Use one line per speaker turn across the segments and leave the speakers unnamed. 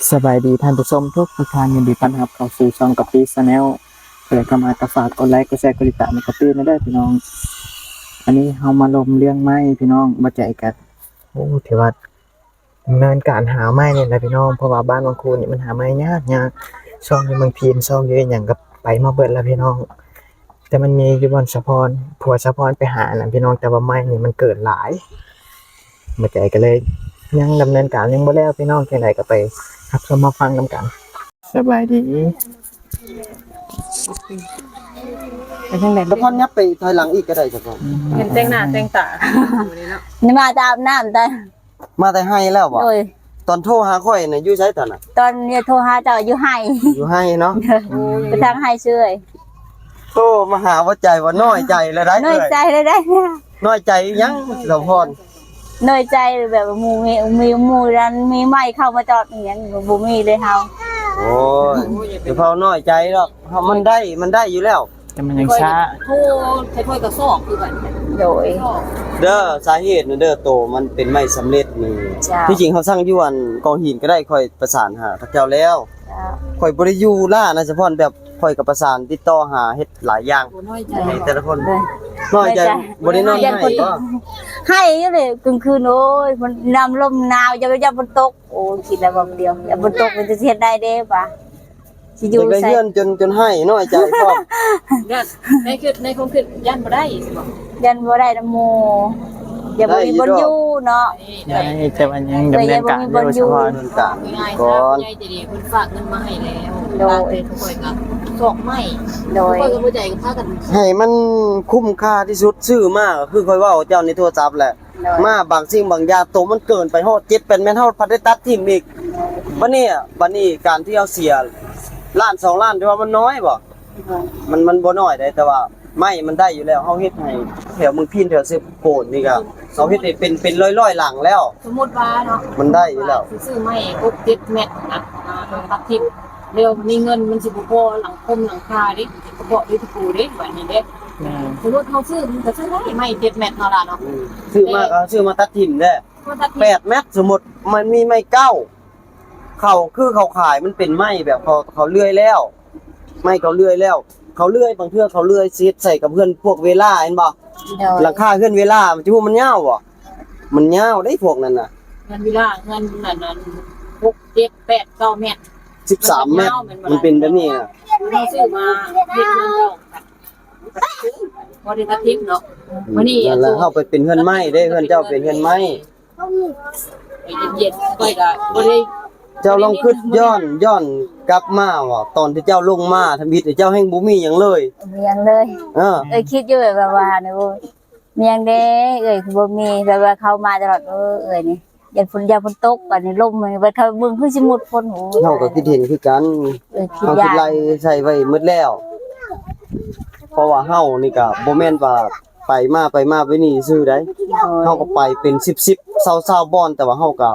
สบายดีท่านผู้ชมทุกท่านยินดีต้อนรับเข้าสู่ช่องกับปีชาแนลเปิดเข้ามากระฝากกดไลค์กดแชร์กดติดตามกับปีไม่ได้พี่น้องอันนี้เฮามาลมเรื่องไม้พี่น้องมาใจกันโอ้ถือว่าดำเนินการหาไม้เนี่ยนะพี่น้องเพราะว่าบ้านบางคูนี่มันหาไม้ยากช่องนี้บางทีมช่องเยอะอย่างกับไปมาเบิดแล้วพี่น้องแต่มันมีอยู่บนสะพานผัวสะพานไปหานะพี่น้องแต่ว่าไม้นี่มันเกิดหลายมาใจกันเลยยังดำเนินการยังบ่แล้วพี่น้องแค่ไหนก็ไปครับเรามาฟังกันกันสบายดีไปทางไหน
แล้วพอนับไปถอยหลังอีกก็ได้จ้ะพ่อ
เห็นแต่งหน้าแต่งตา
นี่มาตามน้ำตอน
มาแต่ให้แล้วบ่
โดย
ตอนโทรหาข่อยน่ะอยู่ไสตอนน่ะ
ตอนเนี่ยโทรหาเจ้าอยู่ให้
อยู่ให้เนาะ
ไปทางให้ช่วย
โทรมาหาว่าใจว่าน้อยใจแล้วได้
น้อยใจเลยได้
น้อยใจยังเจ้าพร
น้อยใจแบบว่าหมูรันมีไม้เข้ามาจอดอย่างเงี้ยบ่มีเลยเฮา
โอ้ยเดี๋ยวเฮาน้อยใจหรอกเฮามันได้อยู่แล้ว
แต่มันยังช้า
โทรใช้ถ้วยกับซอกคือกัน
โดย
เด้อสาเหตุน่ะเด้อโตมันเป็นไม่สำเร็จนี่
จ้ะ
ที่จริงเขาสั่งอยู่อันกองหินก็ได้ค่อยประสานหาพระเจ้าแล้วค่อยบ่ได้อยู่ล่านะเฉพาะแบบค่อยก็ประสานติดต่อหาเฮ็ดหลายอย่าง
โอ้น้อยใจ
ให้แต่ละคนน้อยใจบ่ได้นอนให้บ่
ให้อยู่เลยกลางคืนโอ้ยมันน้ำลมหนาวอย่าฝนตกโอ้คิดแล้วบ่เดียวอย่าฝนตกมันจะเฮ็ดได้เด้ป่ะสิอยู่
ได้
ใส่
เฮือนจนให้น้อยใจพร้อม
ย่านในคงคือย่านบ่ได้สิบอก
ยันบ่ได้นำหมู่อย่าบ่มีบนอยู่เนาะ
ได้แต่มันยังดำเนินการอยู่เฉพาะ
ดำเนินการ
ง่ายๆ
ก่อ
ซะ
น
ยายจะดีเพิ่นฝากเงินมาให้แล้วฝากเป็นถ้วยกับซอกไม้
โดย
ถ้วยกับบ่ใจก็พากัน
ให้มันคุ้มค่าที่สุดซื้อมาก็คือค่อยเว้าเจ้าในโทรศัพท์แหละ
โดย
มาบางสิ่งบางอย่างโตมันเกินไปฮอด7เป็นแม่นเฮาพัดได้ตัดทิ่มอีกบัดนี้การที่เอาเสียล้าน2ล้านที่ว่ามันน้อยบ่มันบ่น้อยได้แต่ว่าไม่มันได้อยู่แล้วเฮาเฮ็ดให้แถวเมืองพินแถวเซฟโปนนี่ก็เฮาเฮ็ดให้เป็นร้อยๆหลังแล้ว
สมมุติว่าเนาะ
มันได้อยู่แล้ว
ซื้อไม้ครบ7เม็ดนะตัดทิ่มเดี๋ยวมีเงินมันสิบ่พอหลังคมหลังคาดิบ่พอดิปูดิแบบนี้เด้สมมุติเฮาซื้อมันก็ซื้อได้ไม้7เม็ดเนาะล่ะเนาะ
ซื้อมาก็ซื้อมาตัดทิ่มได้
ก็ตัดทิ่ม
8เมตรสมมุติมันมีไม้เก้าเขาคือเขาขายมันเป็นไม้แบบเขาเลื่อยแล้วไม้เขาเลื่อยแล้ว เขาเลื่อยบางเทื่อเขาเลื่อยซีดใส่กับเพื่อนพวกเวลาเห็นบ่
โดย
หลังคาเพื่อนเวลามันจะพูดมันยาวบ่มันยาวได้พวกนั้นน่ะ
เงินเวลาเงินนั้น6 7 8 9เม็ด
13เมตรมันเป็นแบบนี้น่ะ
เราซื้อมาเฮ็ดเงินเราพอได้ตัดทิปเนาะวันนี้
นั่นแหละเฮาไปเป็นเฮือนไม้เด้เฮือนเจ้าเป็นเฮือนไม้
ไปเย็นๆก็บ่ได้
เจ้าลองคิดย้อนกลับมาว่าตอนที่เจ้าลงมาทำบิดเจ้าแห่งบ่มีหยังเลย
เมียงเลย
เออ
คิดอยู่แบบว่าเนี่ยเมียงเด้คือบ่มีแบบว่าเขามาตลอดนี่ยันฝนตกบัดนี้ลมมันไปเขาเบิ่งคือสิหมดฝนโห
เฮาก็คิดเห็นคือกัน
คิด
เฮาคิ
ยา
ด
ก
ไล่ใส่ไว้หมดแล้ว เพราะว่าเฮานี่ก็บ่แม่นว่าไปมาไปนี่ซื่อได้เฮาก็ไปเป็น1020บ่อนแต่ว่าเฮาก็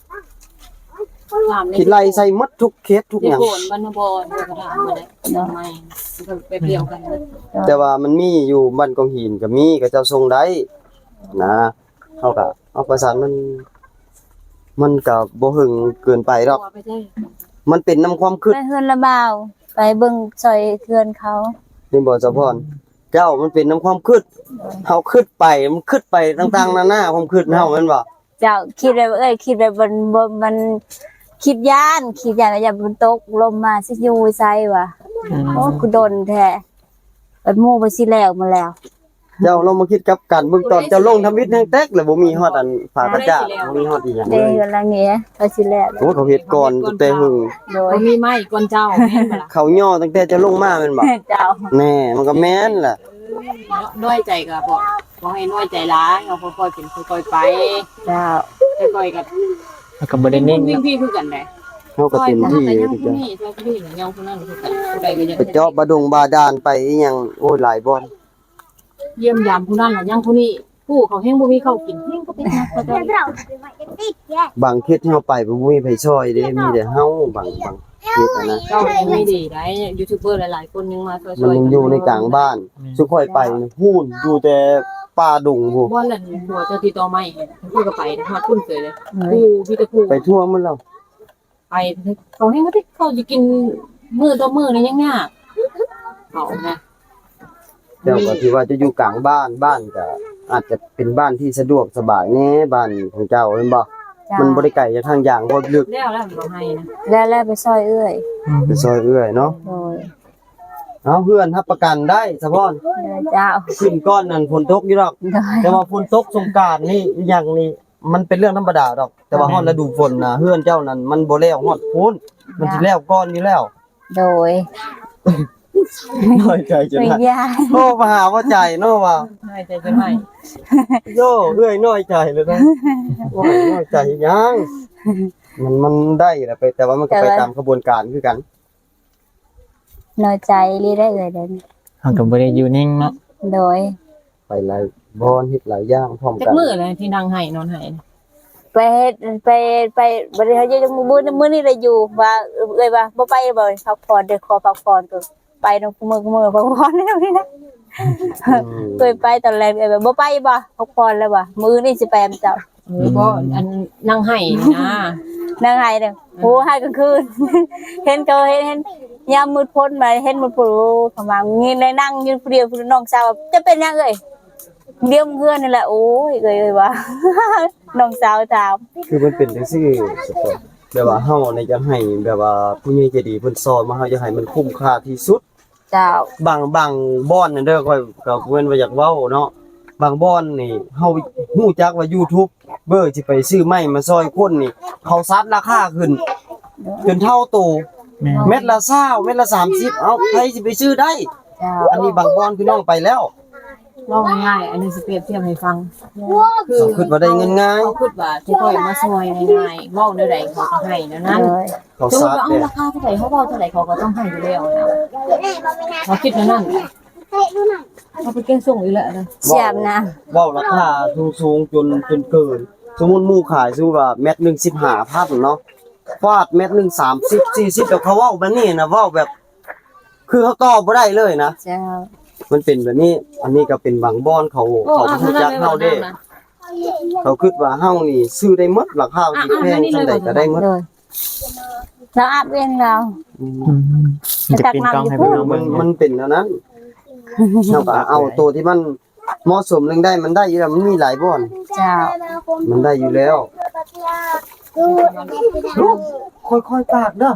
คิดไล่ใส่หมดทุกเคสทุกหยัง
โคนบรรณบรก็ถามมาได้ไม่ก็ไปเดียวกัน
แต่ว่ามันมีอยู่บ้านกองหินก็มีก็เจ้าส่งได้นะเฮาก็เอาประสานมันก็บ่หึงเกินไปหรอกมันเป็นนำความคิด
ไปเฮือนละบ่าวไปเบิ่งซอยเฮือนเขา
นี่บ่เจ้าพรเจ้ามันเป็นนำความคิดเฮาคิดไปมันคิดไปต่างๆนานาความคิดเฮาแม่นบ่
เจ้าคิดแบบคิดแบบมันคิดย่านอย่าฝนตกลมมาสิอยู่ไสว่ะโอ้กูโดนแท้บัดหมู่บ่สิแล้วมาแล้ว
เจ้าลองมาคิดกับกันเบิ่งตอนเจ้าลงทำวิทย์แห่งแตกแล้วบ่มีฮอดอันฝากระจาดบ่มีฮอดอีหยังเล
เด้
ย
กันละเงี้ยบ่สิแล้ว
โอ้เขาเฮ็ดก่อนตั้งแต่หึง
โดย
บ่มีไม้ก่อนเจ้าแม่นบ่ล่ะ
เขาย่อตั้งแต่เจะลงมาแม่นบ่
เจ้า
แน่มันก็แม่นล่ะ
น้อยใจก็บ่ให้น้อยใจหลายเอาค่อยๆเป็นค่อยๆไป
เจ้า
ค่อยๆกับ
แล้วก็บ่ได้นิ่ง
วิ่งพี่คือกันได้
เฮาก็เต็มที่
แต่ยัง
ที่
ผู้
จะ
นี้ตัวผู้นี้ยังผู้นั้นคือกันผู้ใดก็ยัง
ไปเจาะบาดงบาดาลไปอีหยังโอ้ยหลายบ่อน
เยี่ยมยามผู้นั้นแล้วยังผู้นี้ผู้เขาแห้งบ่มีข้าวกินแห้งก็เป็นนักก็ได้
บางเขตที่เฮาไปบ่มีไผช่วยเด้มีแต่เฮาบางเขตอะนะ
เจ้ายังไม่ดีได้ยูทูบเบอร์หลายๆคนยังมาช่วย
มันยังอยู่ในกลางบ้านสุค่อยไปพูนอยู่แต่ป่าดงพู
บ่ลั่นหัวเจ้าติดต่อใหม่พูดก็ไปฮอดพุ่นเสยเลยผู้พี่ตะผู้
ไปทั่วมันแล้ว
ไปไปเขาให้เขาจะกินมื้อต่อมื้อนี่ยังยากเอานะ
เจ้าก็ที่ว่าจะอยู่กลางบ้านก็อาจจะเป็นบ้านที่สะดวกสบายแน่บ้านของเจ้าแม่นบ่
จ้า
มันบ่ได้ไกลจากทางอย่างบ่ลึก
แล้วบ่ให้นะ
แล้วไปซอยเอื้อย
ไปซอยเอื้อยเนาะ
โดย
เอาเพื่อนรับประกันได้สะพอน
เจ้า
ขึ้นก้อนนั่นฝนตกอยู่ดอก
โดย
แต่ว่าฝนตกสงกรานต์นี่อย่างนี้มันเป็นเรื่องธรรมดาดอก แต่ว่าฮอดฤดูฝนน่ะเฮือนเจ้านั่นมันบ่แล้วฮอดพ้นมันสิแล้วก้อนอยู่แล้ว
โดย
น้อยใจจัง
ไม่
ได๋
ยาก
โอ้มาหาว่าใจเนาะว่า
ให้ใจจะให้
โย่เอื้อยน้อยใจเลยนะโอ้ยน้อยใจยังมันได้แหละไปแต่ว่ามันก็ไปตามกระบวนการคือกัน
น้อยใจรีได้เลยเดิน
เฮาก็บ่ได้อยู่นิ่งเนาะ
โดย
ไปหลายบอนเฮ็ดหลายอย่างพร้อม
จั
กั
ก
น
มื้อเลยที่นั่งให้นอนให้
ไปบริหารยังมื้อนี้เลยอยู่ว่าเอ้ยว่าบ่ไปบ่พักผ่อนเด้อขอพักผ่อนก็ไปนำมื้อพักผ่อนได้นี่นะเคยไปตอนแรกเอ้ยบ่ไปบ่พักผ่อนแล้วบ่มื้อนี้สิไปเจ้า
ก็อันนั่งให้นะ
นางไห้เด้อโหให้กลางคืน เห็นก็เห็นยามมืดพ้นมาเห็นมืดพ้นประมาณนี้เลยนั่งอยู่ผู้เดียวน้องสาวจะเป็นยังเอ้ยเลี้ยงเพื่อนนี่แหละโอ้ยเอ้ยว่า น้องสาวถาม
คือมันเป็นจังซี่สุดแบบว่าเฮาในจะให้แบบว่าผู้ใหญ่ใจดีเพิ่นสอนมาเฮาจะให้มันคุ้มค่าที่สุด
เจ้า
บางบ่อนนั่นเด้อค่อยก็เว้นว่าอยากเว้าเนาะบางบ่อนนี่เฮาฮู้จักว่า YouTube เบอร์สิไปซื้อไม้มาซอยคนนี่เขาซัดราคาขึ้นจนเท่าโต
แม่น
เม็ดละ20เม็ดละ30เอ้าใครสิไปซื้อได้
เจ้า
อันนี้บางบ่อนพี่น้องไปแล้ว
เล่าง่ายๆอันนี้สิเปรียบเทียบให้ฟัง
เขาคิดว่าได้เงินง่าย
เขาคิดว่าที่ค่อยมาซอยง่ายๆเว้าแนวใดเขาก็ให้แนวนั้น
เลย
เขา
สมมุ
ซั
ติ
ด
ว่าเอา
เนี่ย
ราคาเท่าไหร่เขาเว้าเท่าไหร่เขาก็ต้องให้อยู่แล้วนะเขาคิดแนวนั้นเขาไปเก่งส่งอีกแล้วนะ
เสียบนะ
เว้าราคาสูงๆจนเกิน สมมุติหมู่ขายซื้อว่าเม็ดหนึง15,000เนาะฟาดเม็ดหนึง30 40แต่เขาเว้าแบบนี้นะเว้าแบบ คือเขาตอบบ่ได้เลยนะ
เจ้า
มันเป็นแบบนี้ อันนี้ก็เป็นบางบ่อนเขาเขาบ่รู้จักเฮาเด้ เขาคิดว่าเฮานี่ซื้อได้หมดราคาสิแพงจังได๋ก็ได้หมด
เลยเราอาบเองเรา
อืม
อืมมันจะเป็นกล้องให้พี่น้อง
มั
เบิ่
น
ง
มันเป็นแล้วนั้นเฮาก็เอาตัวที่มันเหมาะสมเรื่องได้มันได้อยู่แล้วมันมีหลายบ่อน
เจ้า
มันได้อยู่แล้วค่อยๆปากเด้อ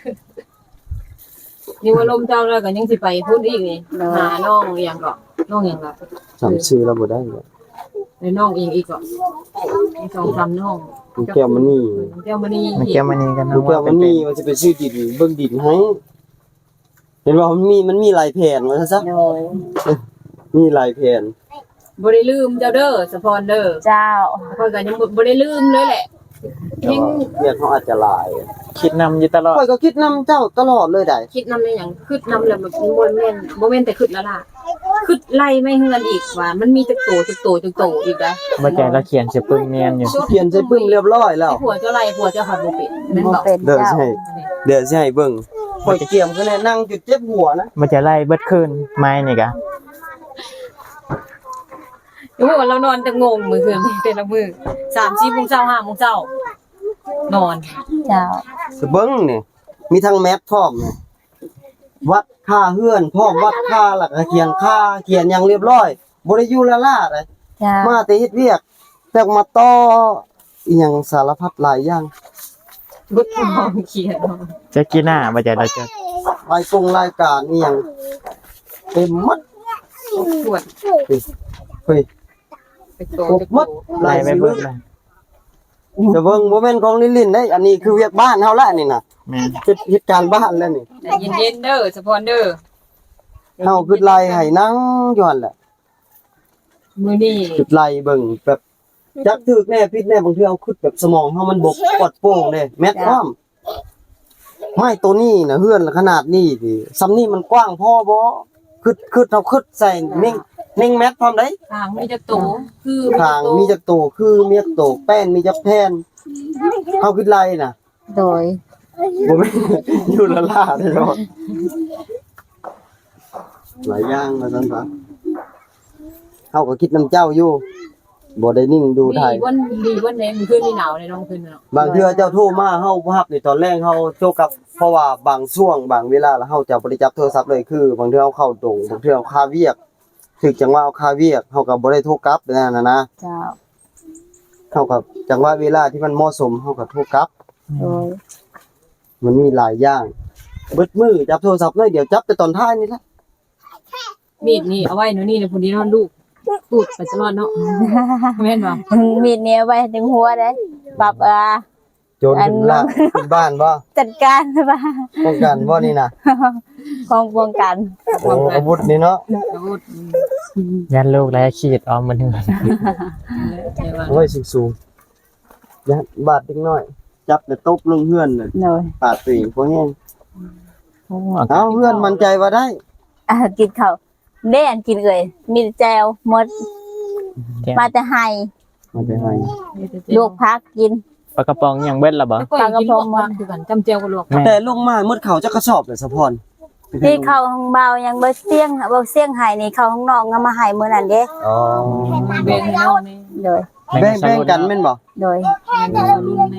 นี่ว่าลมเจ้าแล้วก็ยังสิไปพูดอีกนี่หาน้องอีหยังก็น้องอีหยังก็
จำชื่อแล้วบ่ได้เลย
ในน้องอีกก็มีสองสามน้อง
คุณแก้วมันนี่
แก้วมณี
มันแก้วมันนี่กัน
คุณ
เนาะ
แก้วมันนี่มันสิไปซื้อดินเบิ่งดินให้ เห็นว่ามันมีหลายแผนว่าซะ
โดย
มีหลายแผน
บ่ได้ลืมเจ้าเด้อสะพรเด้อ
เจ้า
ค่อยก็ยังบ่ได้ลืมเลยแหละ
แต่ว่าเรียนเขาอาจจะหลาย
คิดนำอยู่ตลอด
ข้อยก็คิดนํเจ้าตลอดเลยได้
คิดนำในหยังคิดนำแล้วมันบ่แม่นแต่คิดแล้วล่ะคิดไล่ไม่เฮือนอีกว่ามันมีจักโตอีกได้
บ่ใจเราเขียนสิปึ้งเนียนอยู่
เขียนใส่ปึ้งเรียบร้อยแล้ว
ผัวเจ้าไล่ผัวเจ้าหัดบ่เป็นแม่น
บ่
บ่
เป็น
เดี๋ยว
เจ้า
สิให้เดี๋ยวสิให้เบิ่งข้อยเกียมคือแน่นั่งจุดเจ็บหัวนะ
บ่จะไล่เบิดคืนไม้นี่กะ
เดี๋ยวว่าเรานอนแต่งงมื้อคืนแต่ละมื้อ3-4โมงเช้า5โมงเช้านอน
เจ้า
สเบิ่งนี่มีทั้งแมปพร้อมนี่วัดค่าเฮือนพร้อมวัดค่าแล้วก็เขียนค่าเขียนอย่างเรียบร้อยบ่ได้อยู่ละล่าเลย
เจ้า
มาแต่เฮ็ดเวียกแต่มาต่ออีหยังสารพัดหลายอย่าง
บ่ต้องเขียน
จะกินหน้าบ่ใจเราจะ
รายการอีหยังเต็มหมด
ปวด
เฮ้ย
ไปโต
ครบหมด
ไล่ไปเบิดเลย
จะเบิ่งบ่แม่นของลินๆได้อันนี้คือเวียกบ้านเฮาละนี่น่ะ
แม่น
เฮ็ดการบ้านแล้วนี่
ใจเย็นๆเด้อสะพรเด้อ
เฮาคือไล่ให้นั่งอยู่หั่นแหละ
มื้อนี้
คือไล่เบิ่งแบบจักถึกแน่ผิดแน่บางเทื่อเอาคิดแบบสมองเฮามันบกปลอดโปร่งเด้แม่นความไม้ตัวนี้น่ะเฮือนขนาดนี้สิซ้ำนี้มันกว้างพอบ่คือเฮาคิดใส่นิ่งแมทพร้อมได้
ทางมีจักโตคือ
ทางมีจักโตคือมีจักโตแป้นมีจักแผ่นเฮาคือไล่น่ะ
โดย
บ่แม่น อยู่ละล่าได้ดอกหลายอย่างว่าซั่นซะเฮาก็คิดนำเจ้าอยู่บ่ได้นิ่งดูถ่าย
ดีวันไหนมันขึ้นนี่หนาวในน้องขึ้นเนาะ
บางเทื่อเจ้าโทรมาเฮาบ่รับในตอนแรกเฮาโทรกลับเพราะว่าบางช่วงบางเวลาแล้วเฮาจะบ่ได้จับโทรศัพท์เลยคือบางเทื่อเฮาเข้าตรงบางเทื่อเฮาคาเวียกถึกจังว่าเอาคาเวียกเฮาก็บ่ได้โทรกลับนั่นน่ะนะ
เจ้า
เฮาก็จังว่าเวลาที่มันเหมาะสมเฮาก็โทรกลับ
โดย
มันมีหลายอย่างเบิดมือจับโทรศัพท์เลยเดี๋ยวจับแต่ตอนท้ายนี่แหละ
มีดนี่เอาไว้หนูนี่ในพุ่นนี้นอนลูกพูดไปตลอดเนาะแม่นบ่
มีดเนี้ยไว้ถึงหัวได้ปรับ
โจรขึ้นละขึ้นบ้านบ่
จัดการบ้า
ป้องกันบ่นี่น่ะ
ของป้องกัน
โอ้อาวุธนี่เนาะ
พูด
ยันลูกแล้วขีดออมมันถึง
โอ้ยสูงๆยัดบาดเล็กน้อย จับแต่ตบลงเฮือนน่ะ
โดย
ปาดตีพวกแห้งเอาเฮือนมั่นใจว่าได้
กินข้าวเด่นกินเลยมีแจวหมดมาจะให้
มันจะให้
ลวกพักกิน
ปลากระป๋องยังเบ็ดละบ่
ปลากระพงมันคือกันจำเจียวกับลวก
แต่ลงมาหมดเขาจะกระสอบเลยสะพร
ที่เข้าห้องเบายังบ่เสียงให้นี่เข้าห้องนอกก็มาให้มื้อนั้นเด้
อ๋อ
เบงน้องนี่
โดย
แบ่งกันแม่นบ่
โดย
แม่นรุ่นแม่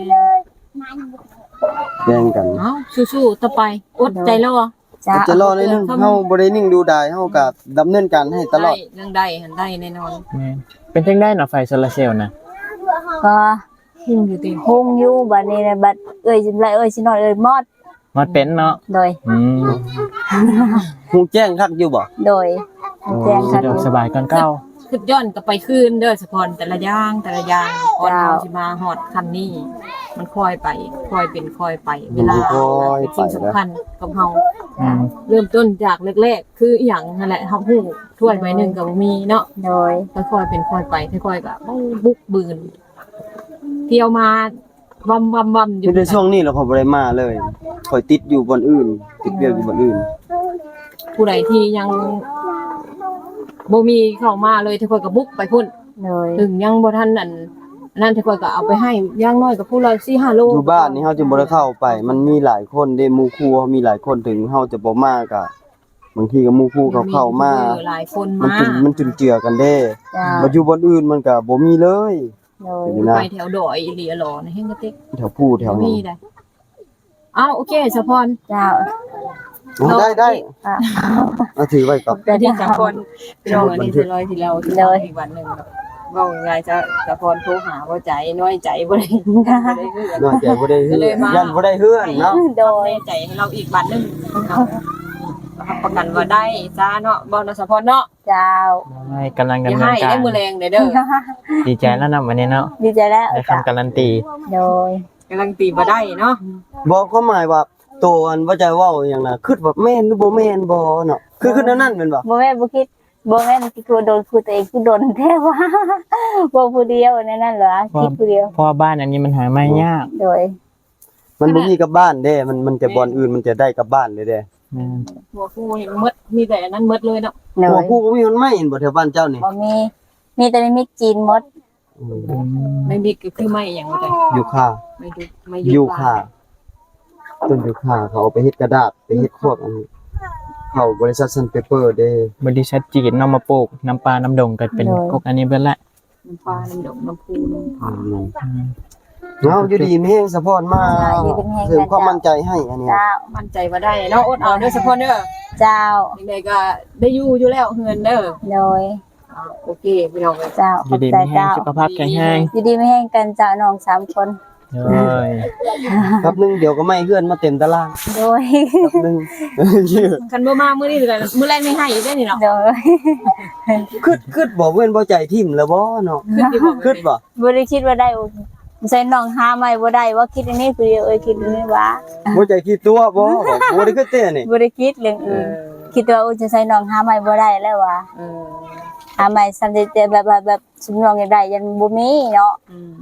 แบ่งกัน
เอ้าสู้ๆต่อไปอดใจรอ
จ้า
จะรอนิดนึงเฮาบ่ได้นิ่งดูดายเฮาก็ดำเนินการให้ตลอด
เรื่องได้หันได้แน่นอน
แม่นเป็นจังได้เนาะไฟโซลาร์เซลล์นะ
ก็
หุ่งอยู่ติ
ฮงอยู่บัดนี้นะบัดสิไรสินอนมอด
มอดเป็นเนาะ
โดย
ฮู้แจ้งคักอยู่บ่
โดยแจ้ง
สะ
ค่ะ
ดวกสบายก่อนเก่า
คือย้อนกลับไปคืนเด้อสะพรแต่ละอย่างก่อนเราสิมาฮอดคันนี้ มันค่อยไปค่อยเป็นค่อยไป เวลาเป็นสิ่งสำคัญกับเฮา
อืม
เริ่มต้นจากแรกๆคืออหย่างนั่นแหละเฮาฮู้ถ้วยใบหนึงก็บ่มีเนาะ
โดย
ค่อยๆเป็นค่อยไปค่อยๆก็บุกบืนเที่ยวมาวัมๆอยู่
ในช่วงนี้เราขอยบ่ได้มาเลยข่อยติดอยู่บ่อนอื่น ติดเวียกอยู่บ่อนอื่น
ผู้ใดที่ยังบ่มีเข้ามาเลยทุกคนก็บุกไปพุ่น
โดย
ถึงยังบ่ทันนั่นทุกคนก็เอาไปให้อย่างน้อยก็ผู้ละ 4-5 โล
อยู่บ้านนี่เฮาจึงบ่ได้เข้าไป มันมีหลายคนเด้หมู่คู่เฮามีหลายคนถึงเฮาจะบ่มาก็บางทีก็หมู่คู่เขาเข้ามา
หลายคน
มัน
มา
มันจุนเจือกันเด้
จ้า
มาอยู่บ่อนอื่นมันก็บ่มีเลย
โดย
นี่นะ
ไปแถวดอยอีหลีอะหลอในเฮงกะติก
แถวผู้แถว
มี
นี้
ได้อ้าวโอเคสะพร
เจ้า
ได้
อ่ะ
เอาถือไว้ก่อน
แต่ที่สะพรพี่น้องอันนี้สิร้อยที่เราที่เราอีกวันหนึงเว้าง่ายๆจะสะพรโทรหาบ่ใจน้อยใจบ่ได้บ่ได้คือกัน
น้อยใจบ่ได้เฮื
ก็เลย
อน
มา
ยันบ่ได้เฮือนเนาะ
โดย
แน่ใจให้เราอีกบัตรหนึงเอารับประกันว่าได้จ้าเนาะบ่เนาะสะพรเนาะ
เจ้า
ได้กำลัง
อย่า
ดำเนิ
ให้
นการ
ได้มือแรงเด้อ
ดีใจแล้วนะวันนี้เนาะ
ดีใจแล้ว
ได้
จ้า
คำการันตี
โดย
กำลังตีบ่ได้เนาะ
บอกเขาหมายว่าตัวอันว่าใจเว้าอย่างน่ะคิดว่าแม่นหรือบ่แม่นบ่เนาะคือนั่นแม่นบ่
บ่แม่นบ่คิดบ่แม่นที่คือโดนคือตัวเองคือโดนแท้ว่าบ่ผู้เดียวนั่นเหรอคิดผู้เดียว
เพราะว่าบ้านอันนี้มันหาไม่ยาก
โดย
มันบ่มีกับบ้านเด้มันจะบ่อนอื่นมันจะได้กับบ้านเลยเด้
แม่น
หัวคู่เห็นหมดมีแต่อันนั้นหมดเลยเนาะ
โด
หัวย ผู้บ่มีมันไม่เห็นบ่แถวบ้านเจ้านี่
บ่มีแต่มีจีนหมด
อืม
ไม่มีก็คือไม่อย่างว่าใจ
อยู่ค่า
ไม่ดูไม่
อยู่ค่าต้นอยู่ค่าเขาเอาไปเฮ็ดกระดาษไปเฮ็ดพวกอันนี้เข้าบริษัทซันเปเปอร์เด้
บริษัทจีนนำมาปลูกน้ำปลาน้ำดงก็เป็นพวกอันนี้เบิดละ
น้ำปลาน้ำดอกน้ำพูน้ำผา
อืม
เอาอยู่ดีมีแฮงสะพอนมาเสริมความมั่นใจให้อันนี้
เจ้า
มั่นใจว่าได้เนาะอดเอาเด้อสะพอนเด้อ
เจ้า
ยังไงก็ได้อยู่แล้วเงินเด้อ
โดย
โอเคพี่น้องเอ้ย
เจ้าข
อยู่
อบ
ดี
ใจ
มีแห้ง
เจ้า
สุขภาพแข็งแรง
อยู่ดีไม่แห้งกันเจ้าน้อง3คน
เลย
ครับนึงเดี๋ยวก็ไม่เฮือนมาเต็มตาราง
โดย
ครับนึง
คันบ่มามื้อนี้ก็มื้อแรกไม่ให้อีกได้อนี่เนาะ
โดย
คิดบ่เว้นบ่ใจทิ่มแล้วบ่เนาะ
คือสิบอก
คิดบ่
บ่ได้คิดว่าได้ใส่น้องหาใหม่บ่ได้ว่าคิดอันนี้คือคิดอันนี้ว่า
บ่ใจคิดตัวบ่บ่ได้คิดเต้นี่
บ่ได้คิดเรื่องอื่นคิดว่าจะใส่น้องหาใหม่บ่ได้แล้วว่า
เออ
หาใหม่ซ้ํแต่แบบสมน้องอยากได้ยันบ่มีเนาะ
อืม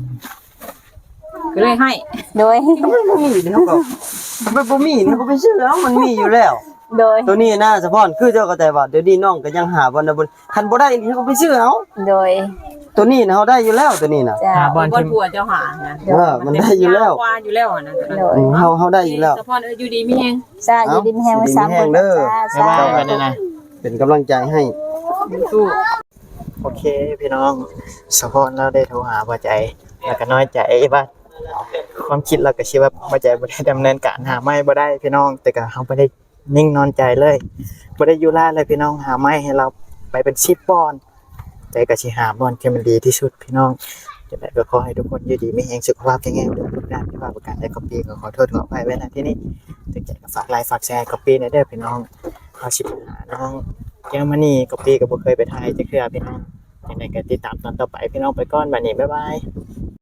ก็เลยให้
โดย
มันบ่มีนี่เฮาก็มันบ่มีนี่ก็ไปซื้อเอามันมีอยู่แล้ว
โดย
ตัวนี้นะสะพอนคือเจ้าก็แต่ว่าเดี๋ยวนี้น้องก็ยังหาบ่ได้บ่คันบ่ได้นี่เฮาก็ไปซื้อเอา
โดย
ตัวนี้นะเฮาได้อยู่แล้วตัวนี้น่ะ
จ้า
หาบอล
บ่
ที่
ผัวเจ้าหานะ
มันได้อยู่แล้ว
ว่าอยู่แล้วนะ
โดย
เฮาได้อยู่แล้ว
สะพอนอยู่ดีมีแฮง
จ้าอยู่ดีมีแฮงไว้3คน
เด้อ
จ้า
บ๊ายบายกันนะ
เป็นกำลังใจให้
สู้
อเคพี่น้องสะพอนเราได้โทรหาบ่ใจแล้วก็น้อยใจว่าความคิดเราก็คิดว่าบ่ใจบ่ได้ดำเนินการหาไม้บ่ได้พี่น้องแต่ก็เฮาบ่ได้นิ่งนอนใจเลยบ่ได้อยู่ล่าเลยพี่น้องหาไม้ให้เราไปเป็น10บอนแต่ก็สิหาบอนที่มันดีที่สุดพี่น้องจะได้ก็ขอให้ทุกคนอยู่ดีมีแรงสุขภาพแข็งแรงทุกด้านที่ว่าประการใดก็ปีก็ขอโทษขออภัยไว้ณที่นี้ถึงใจก็ฝากไลค์ฝากแชร์ก็ปีในเด้อพี่น้องเอาสิหาน้องเยอรมนีก็ปีก็บ่เคยไปไทยจักเทื่อพี่น้องยังไงก็ติดตามตอนต่อไปพี่น้องไปก่อนบัดนี้บ๊ายบาย